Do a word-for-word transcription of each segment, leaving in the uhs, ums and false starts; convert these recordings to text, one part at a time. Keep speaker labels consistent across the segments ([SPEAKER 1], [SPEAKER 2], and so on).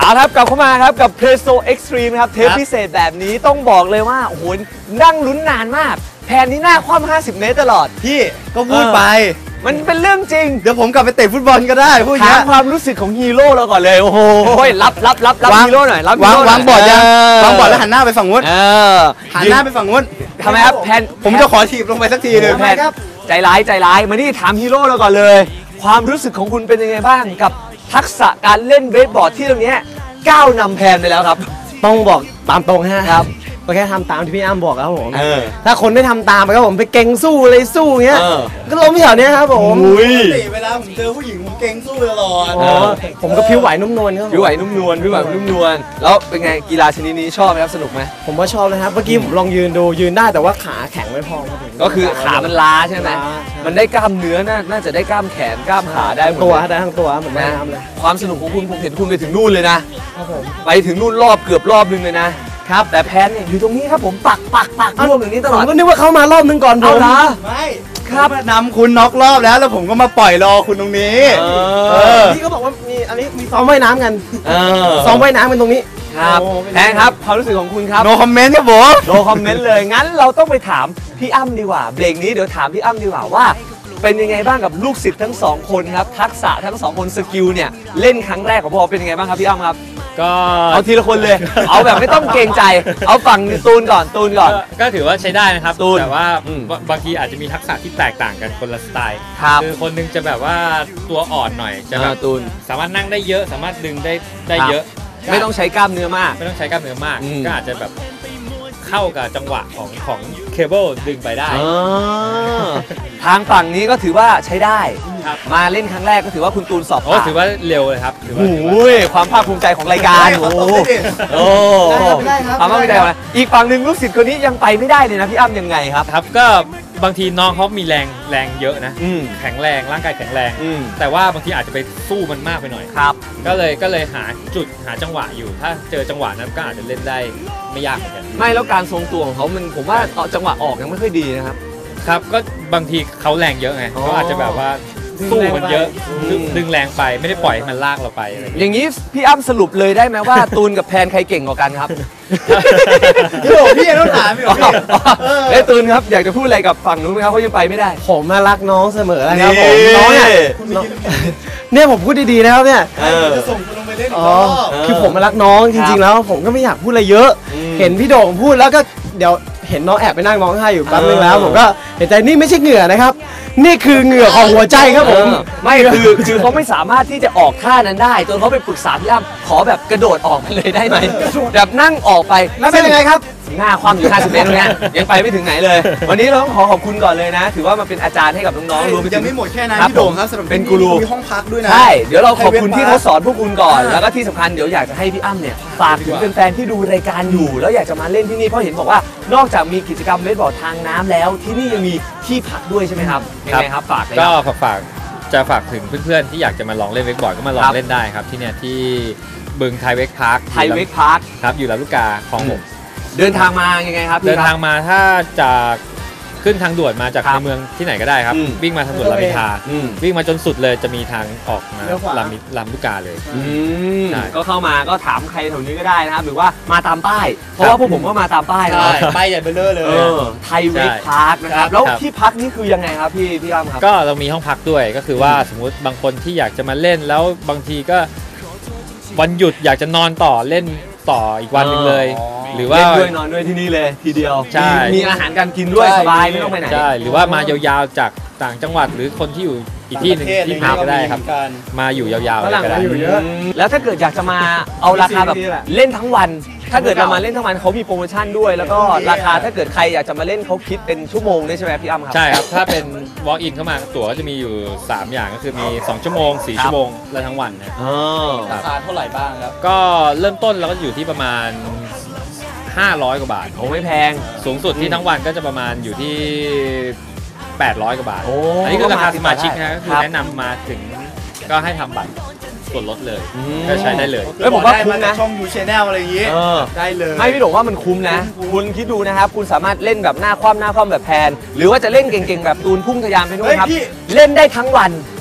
[SPEAKER 1] เอาครับกลับเข้ามาครับกับ Presto Extreme ครับเทปพิเศษแบบนี้ต้องบอกเลยว่าโอ้โหนั่งลุ้นนานมากแผนนี้หน้าคว่ำห้าสิบเมตรตลอด
[SPEAKER 2] พี่ก็พูดไป
[SPEAKER 1] มันเป็นเรื่องจริง
[SPEAKER 2] เดี๋ยวผมกลับไปเตะฟุตบอลก็ได้พูดอย่าง
[SPEAKER 1] ถา
[SPEAKER 2] นี้
[SPEAKER 1] มความรู้สึกของฮีโร่เราก่อนเลยโอ้โหรับรับรับรับฮีโร่หน่อยรับ
[SPEAKER 2] วางวางบอร์ดยังวางบอร์ดแล้วหันหน้าไปฝั่งนู้นหันหน้าไปฝั่งนู้น
[SPEAKER 1] ทำไมครับแผน
[SPEAKER 2] ผมจะขอถีบลงไปสักทีนึง
[SPEAKER 1] แผนใจร้ายใจร้ายมานี่ถามฮีโร่เราก่อนเลยความรู้สึกของคุณเป็นยังไงบ้างกับทักษะการเล่นเวทบอร์ดที่ตรงนี้ก้าวนำแพนไปแล้วครับ
[SPEAKER 3] ต้องบอกตามตรงนะครับก็แค่ทำตามที่พี่อ้ำบอกครับผม
[SPEAKER 1] เออ
[SPEAKER 3] ถ้าคนไม่ทำตามครับผมไปเก่งสู้เลยสู้เงี้ย
[SPEAKER 1] เออ
[SPEAKER 3] ก็ล้มแถวเนี้ยครับผม
[SPEAKER 2] เวลาผมเจอผู้หญิงผมเก่งสู้ตลอด
[SPEAKER 3] อ๋อผมก็ผิวไหวนุ่มนวลครับ
[SPEAKER 1] ผิวไหวนุ่มนวลผิวไหวนุ่มนวลแล้วเป็นไงกีฬาชนิดนี้ชอบไหมครับสนุกไหม
[SPEAKER 3] ผมว่าชอบนะครับเมื่อกี้ผมลองยืนดูยืนได้แต่ว่าขาแข็งไม่พอครับผม
[SPEAKER 1] ก็คือขามันล้าใช่ไหมมันได้กล้ามเนื้อน่าน่าจะได้กล้ามแขนกล้ามขาได้หมด
[SPEAKER 3] ตัวได้ทั้งตัวเหมือนว่ายน้ำเลย
[SPEAKER 1] ความสนุกของคุณผมเห็นคุณไปถึงนู่นเลยนะครับ
[SPEAKER 3] ผม
[SPEAKER 1] ไปถึงนู่นรอบเกือบรอบนึงเลยนะครับแต่แพนเนี่ยอยู่ตรงนี้ครับผมปักปักปักร่วมอย่างนี้ตลอด
[SPEAKER 3] ผมก็นึกว่าเขามารอบนึงก่อนผม
[SPEAKER 1] เอาละ
[SPEAKER 2] ไม่ครับนำคุณน็อกรอบแล้วแล้วผมก็มาปล่อยรอคุณตรงนี้
[SPEAKER 3] พี่ก็บอกว่ามีอันนี้มีซ้อมว่ายน้ำกัน
[SPEAKER 1] เออ
[SPEAKER 3] ซ้อมว่ายน้ำกันตรงนี้
[SPEAKER 1] ครับแพนครับความรู้สึกของคุณครับ
[SPEAKER 2] no comment ครับผม
[SPEAKER 1] no comment เลยงั้นเราต้องไปถามพี่อ้ำดีกว่าเบรกนี้เดี๋ยวถามพี่อ้ำดีกว่าว่าเป็นยังไงบ้างกับลูกศิษย์ทั้งสองคนครับทักษะทั้งสองคนสกิลเนี่ยเล่นครั้งแรกของพวกเราเป็นยังไงบ้างครับพี่อ้ำครับ
[SPEAKER 4] ก็
[SPEAKER 1] เอาทีละคนเลยเอาแบบไม่ต้องเกรงใจเอาฝั่งตูนก่อนตูนก่อน
[SPEAKER 4] ก็ถือว่าใช้ได้นะครับ
[SPEAKER 1] ตูน
[SPEAKER 4] แต่ว่าบางทีอาจจะมีทักษะที่แตกต่างกันคนละสไตล์คือคนนึงจะแบบว่าตัวอ่อนหน่อยจะแบบ
[SPEAKER 1] ตูน
[SPEAKER 4] สามารถนั่งได้เยอะสามารถดึงได้ได้เยอะ
[SPEAKER 1] ไม่ต้องใช้กล้ามเนื้อมาก
[SPEAKER 4] ไม่ต้องใช้กล้ามเนื้อมากก็อาจจะแบบเข้ากับจังหวะของของเคเบิลดึงไปได้
[SPEAKER 1] ทางฝั่งนี้ก็ถือว่าใช้ได้มาเล่นครั้งแรกก็ถือว่าคุณตูนสอบผ่าน
[SPEAKER 4] ถือว่าเร็วเลยครับถือว่า
[SPEAKER 1] โอ้ยความภาคภูมิใจของรายการโอ้โหความภาคภูมิใจของอีกฝั่งหนึ่งลูกศิษย์คนนี้ยังไปไม่ได้เลยนะพี่อ้ำยังไงครับ
[SPEAKER 4] ครับก็บางทีน้องเขามีแรงแรงเยอะนะแข็งแรงร่างกายแข็งแรงแต่ว่าบางทีอาจจะไปสู้มันมากไปหน่อย
[SPEAKER 1] ครับ
[SPEAKER 4] ก็เลยก็เลยหาจุดหาจังหวะอยู่ถ้าเจอจังหวะนั้นก็อาจจะเล่นได้ไม่ยากเหมือนกัน
[SPEAKER 1] ไม่แล้วการทรงตัวของเขามันผมว่าจังหวะออกยังไม่ค่อยดีนะครับ
[SPEAKER 4] ครับก็บางทีเขาแรงเยอะไงเขาอาจจะแบบว่าสู้มันเยอะดึงแรงไปไม่ได้ปล่อยให้มันลากเราไปอะไร
[SPEAKER 1] อย่างนี้พี่อ้ำสรุปเลยได้ไหมว่าตูนกับแพนใครเก่งกว่ากันครับ
[SPEAKER 2] พี่บอกพี่ต้องถามพี่บอก
[SPEAKER 1] เอ้ตูนครับอยากจะพูดอะไรกับฝั่งนู้นไหมครับเขายังไปไม่ได้
[SPEAKER 3] ผมมารักน้องเสมอนะครับผมน้องเนี่ยเนี่ยผมพูดดีๆนะครับเนี่ย
[SPEAKER 2] จะส่งคุณลงไปเล่น
[SPEAKER 3] อ๋อคือผมมารักน้องจริงๆแล้วผมก็ไม่อยากพูดอะไรเยอะเห็นพี่โด่งพูดแล้วก็เดี๋ยวเห็นน้องแอบไปนั่งร้องไห้อยู่แป๊บนึงแล้วผมก็เห็นใจนี่ไม่ใช่เหงื่อนะครับนี่คือเหงื่อของหัวใจครับผม
[SPEAKER 1] ไม่คือคือเขาไม่สามารถที่จะออกท่านั้นได้จนเขาไปปรึกษาพี่อ้ำขอแบบกระโดดออกไปเลยได้ไหมแบบนั่งออกไป
[SPEAKER 3] แล้วเป็นยังไงครับ
[SPEAKER 1] หน้าคว่ำอยู่ห้าสิบเมตรตรงนี้ยังไปไม่ถึงไหนเลยวันนี้เราต้องขอขอบคุณก่อนเลยนะถือว่ามาเป็นอาจารย์ให้กับน้องๆรวมไปถึง
[SPEAKER 2] ยังไม่หมดแค่นั้นพี่โด่งครับสำหรับ
[SPEAKER 1] เป็นกูรู
[SPEAKER 2] มีห้องพักด้วยนะ
[SPEAKER 1] ใช่เดี๋ยวเราขอบคุณที่เขาสอนพวกคุณก่อนแล้วก็ที่สำคัญเดี๋ยวอยากจะให้พี่อ้ำเนี่ยฝากถึงแฟนๆที่ดูรายการอยู่แล้วอยากจะมาเล่นที่นี่เพราะเห็นบอกว่านอกจากมีกิจกรรมเวทบอร์ดทางน้ำแล้วที่นี่ยังมีที่พักด้วยใช่ไหมครับยังไงครับฝากเลย
[SPEAKER 4] ก็ฝากจะฝากถึงเพื่อนๆที่อยากจะมาลองเล่นเวกบอร์ดก็มาลองเล่นได้ครับที่เนี่ยที่บึงไทยเวกพาร์ค
[SPEAKER 1] ไทยเวกพาร์ค
[SPEAKER 4] ครับอยู่ลำลูกกาคลองหก
[SPEAKER 1] เดินทางมายังไงครับ
[SPEAKER 4] เดินทางมาถ้าจากขึ้นทางด่วนมาจากในเมืองที่ไหนก็ได้ครับวิ่งมาทางด่วนรามอินทราวิ่งมาจนสุดเลยจะมีทางออกมาลำลำลูกกาเลย
[SPEAKER 1] ก็เข้ามาก็ถามใครแถวนี้ก็ได้นะครับหรือว่ามาตามป้ายเพราะว่าพวกผมก็มาตามป้ายนะ
[SPEAKER 2] ป้ายใหญ่เบ้อเลย
[SPEAKER 1] ไทยเวกพาร์คนะครับแล้วที่พักนี่คือยังไงครับพี่พี่อ้ำครับ
[SPEAKER 4] ก็เรามีห้องพักด้วยก็คือว่าสมมุติบางคนที่อยากจะมาเล่นแล้วบางทีก็วันหยุดอยากจะนอนต่อเล่นต่ออีกวันนึงเลยหรือว่า
[SPEAKER 1] เล่นด้วยนอนด้วยที่นี่เลยทีเดียว
[SPEAKER 4] ใช่
[SPEAKER 1] มีอาหารการกินด้วยสบายไม่ต้องไปไหน
[SPEAKER 4] ใช่หรือว่ามายาวๆจากต่างจังหวัดหรือคนที่อยู่อีกที่หนึ่งที่ไหนก็ได้ครับมาอยู่ยาวๆก็ได้
[SPEAKER 1] แล้วถ้าเกิดอยากจะมาเอาราคาแบบเล่นทั้งวันถ้าเกิดเรามาเล่นทั้งวันเขามีโปรโมชั่นด้วยแล้วก็ราคาถ้าเกิดใครอยากจะมาเล่นเขาคิดเป็นชั่วโมงได้ใช่ไหมพี่อ้ำครับ
[SPEAKER 4] ใช่ครับถ้าเป็น walk in เข้ามาตั๋วก็จะมีอยู่สามอย่างก็คือมีสองชั่วโมงสี่ชั่วโมงและทั้งวันนะ
[SPEAKER 2] ราคาเท่าไหร่บ้างครับ
[SPEAKER 4] ก็เริ่มต้นเราก็อยู่ที่ประมาณห้าร้อยกว่าบาท
[SPEAKER 1] โอ้ไม่แพง
[SPEAKER 4] สูงสุดที่ทั้งวันก็จะประมาณอยู่ที่แปดร้อยกว่าบาทอันนี้คือราคาสมาชิกนะก็คือแนะนำมาถึงก็ให้ทำบัตรส่วนลดเลยก็ใช้ได้เลย
[SPEAKER 1] แล้วผมว่าคุ้มนะ
[SPEAKER 2] ช่องยูชแนลอะไรอย่างงี้ได้เลย
[SPEAKER 1] ไม่พี่บอกว่ามันคุ้มนะคุณคิดดูนะครับคุณสามารถเล่นแบบหน้าคว่ำหน้าคว่ำแบบแพนหรือว่าจะเล่นเก่งๆแบบตูนพุ่งทะยานไปด้วยครับเล่นได้ทั้งวัน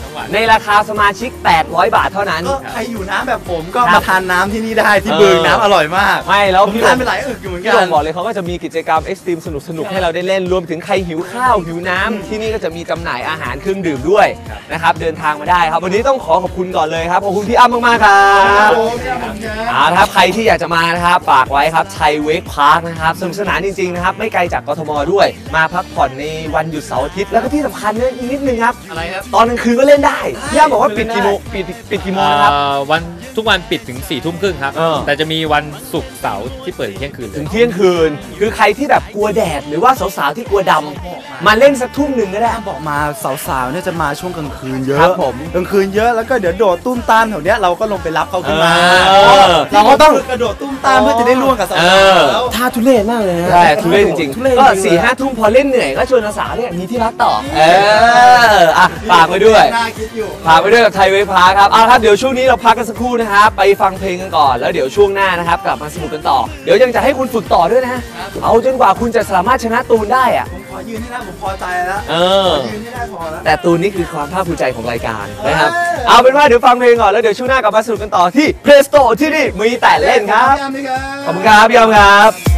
[SPEAKER 4] น้ำหวาน
[SPEAKER 1] ในราคาสมาชิกแปดร้อยบาทเท่านั้น
[SPEAKER 2] ก็ใครอยู่น้ำแบบผมก็
[SPEAKER 1] ครับ
[SPEAKER 2] มาทานน้ำที่นี่ได้ที่
[SPEAKER 1] เออ
[SPEAKER 2] บึงน้ำอร่อยมาก
[SPEAKER 1] ไม่แล้ว
[SPEAKER 2] ผม
[SPEAKER 1] พี่
[SPEAKER 2] ทานไปหลายอึกอยู่เหมือน
[SPEAKER 1] พี่
[SPEAKER 2] กั
[SPEAKER 1] โด
[SPEAKER 2] น
[SPEAKER 1] งบอกเลยเขาก็จะมีกิจกรรมเอ็กซ์ตรีมสนุกสนุกๆให้เราได้เล่นรวมถึงใครหิวข้าวหิวน้ำที่นี่ก็จะมีจำหน่ายอาหารเครื่องดื่มด้วยนะครับเดินทางมาได้ครับวันนี้ต้องขอขอบคุณก่อนเลยครับขอบคุณพี่อ้ำมากๆครับเอาละครับใครที่อยากจะมานะครับฝากไว้ครับชัยเวกพาร์คนะครับสนุกสนานจริงๆนะครับไม่ไกลจากกทมด้วยมาพักผ่อนในวันหยุดเสาร์อาทิตย์แล้วก็ที่สำคัญเนี่ยอีกนิดนึงครับ
[SPEAKER 2] อะไรครับ
[SPEAKER 1] ตอนกลางคืนก็เล่นได้พี่อ้ำบอกว่าปิดกี่โมงปิดปิดกี่โมงนะครับ
[SPEAKER 4] เอ่อวันทุกวันปิดถึง4ี่ทุ่มครึ่งครับ
[SPEAKER 1] เออ
[SPEAKER 4] แต่จะมีวันศุกร์เสาร์ที่เปิดถึงเที่ยงคืนเล
[SPEAKER 1] ถึ
[SPEAKER 4] ย
[SPEAKER 1] งเที่ยงคืน คือใครที่แบบกลัวแดดหรือว่าสาวๆที่กลัวดำมาเล่นสักทุ่มหนึ่งก็ได้
[SPEAKER 2] บอกมาสาวๆเนี่ยจะมาช่วงกลางคืนเยอะ
[SPEAKER 1] ครับผม
[SPEAKER 2] กลางคืนเยอะแล้วก็เดี๋ยวโดดตุ้มตามแถวเนี้ยเราก็ลงไปรับเขาขึ้นมา
[SPEAKER 1] เออ
[SPEAKER 2] เราก็ต้องกระโดดตุ้มตามเพื่อจะได้ร่วมกับสาว
[SPEAKER 1] เออ
[SPEAKER 2] ๆแล้ว
[SPEAKER 3] ท่าทุเรศมากเลยนะ
[SPEAKER 1] ใช่ทุเรศจริง
[SPEAKER 3] ทุเรศ
[SPEAKER 1] ๆ ก็
[SPEAKER 3] จริงๆ
[SPEAKER 1] สี่ห้าทุ่มพอเล่นเหนื่อยก็ชวนสาวๆเนี่ยมีที่พักต่อ เอออ่ะฝากไว้ด้วย
[SPEAKER 2] น่าคิดอยู่
[SPEAKER 1] ฝากไว้ด้วยกับไทยเวฟพาร์คครับเอาละครับเดี๋ยวช่วงนี้เราพักกันสักครู่นะครับไปฟังเพลงกันก่อนแล้วเดี๋ยวช่วงหน้านะครับกลับมาสนุกกันต่อ เดี๋ยวยังจะให้คุณฝึกต่อด้วยนะเอาจนกว่าคุณจะสามารถชนะตูนได้อะ
[SPEAKER 2] ผมขอยืนให้ได้ผมพอใจแล้ว
[SPEAKER 1] เออ
[SPEAKER 2] ยืนให้ได้พอแล้ว
[SPEAKER 1] แต่ตูนนี่คือความภาคภูมิใจของรายการนะครับเอาเป็นว่าเดี๋ยวฟังเพลงก่อนแล้วเดี๋ยวช่วงหน้ากลับมาสนุกกันต่อที่ Play Store ที่นี่มีแต่เล่นครับ
[SPEAKER 2] ขอบคุณครับ
[SPEAKER 1] ขอบคุณครับพี่ยอมครับ